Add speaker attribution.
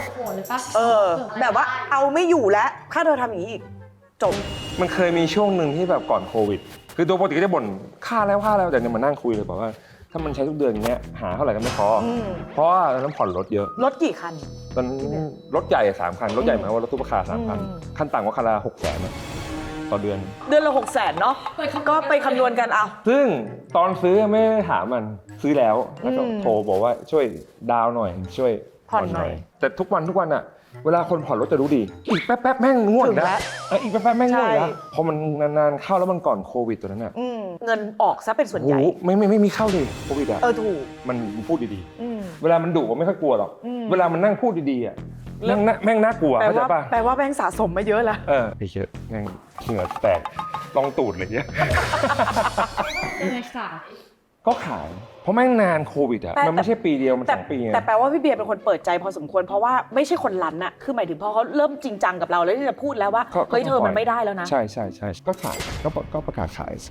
Speaker 1: โหดเลยปะ
Speaker 2: แบบว่าเอาไม่อยู่แล้วถ้าเธอทำอย่างนี้อีกจบ
Speaker 3: มันเคยมีช่วงหนึ่งที่แบบก่อนโควิด คือตัวปกติก็จะบ่นค่าแล้วแต่เนี่ยมานั่งคุยเลยบอกว่าถ้ามันใช้ทุกเดือนอย่างเงี้ยหาเท่าไหร่ก็ไม่พอเพราะว่าตอนนั้นผ่อนรถเยอะ
Speaker 2: รถกี่คัน
Speaker 3: ตอนนั้นรถใหญ่3 คันรถใหญ่หมายว่ารถตู้ราคา3 คันขั้นต่ำก็คันละ600,000ต่อเดือน
Speaker 2: เดือนละ600,000เนาะก็ไปคำนวณกันเอา
Speaker 3: ซึ่งตอนซื้อไม่ได้ถามมันซื้อแล้วแล้วก็โทรบอกว่าช่วยดาวน์หน่อยช่วยผ่อนหน่อยแต่ทุกวันอะเวลาคนผ่อนรถจะรู้ดีอีกแป๊บแม่งง่วงนะอีกแป๊บแม่งง่วงนะพอมันนานๆเข้าแล้วมันก่อนโควิดตัวนั้นอะ
Speaker 2: เงินออกซะเป็นส่วนใหญ่
Speaker 3: ไม่มีเข้าเลยโควิดอะ
Speaker 2: ถูก
Speaker 3: มันพูดดีๆเวลามันดุก็ไม่ค่อยกลัวหรอกเวลามันนั่งพูดดีๆอะแม่งน่ากลัวเข้าใจป่ะ
Speaker 2: แปลว่าแบงค์สะสมมาเยอะแล้ว
Speaker 3: ไอ้เหี้ยแม่งเหงื่อแตกลองตูดเลยเนี่ย
Speaker 1: ยังไงขาย
Speaker 3: ก็ขายเพราะแม่งนานโควิดอะมันไม่ใช่ปีเดียวมัน2 ปีไง
Speaker 2: แต่แปลว่าพี่เบียร์เป็นคนเปิดใจพอสมควรเพราะว่าไม่ใช่คนรั้นอะคือหมายถึงพอเขาเริ่มจริงจังกับเราแล้วที่จะพูดแล้วว่าเฮ้ยเธอมันไม่ได้แล้วนะ
Speaker 3: ใช่ก็ขายก็ประกาศขาย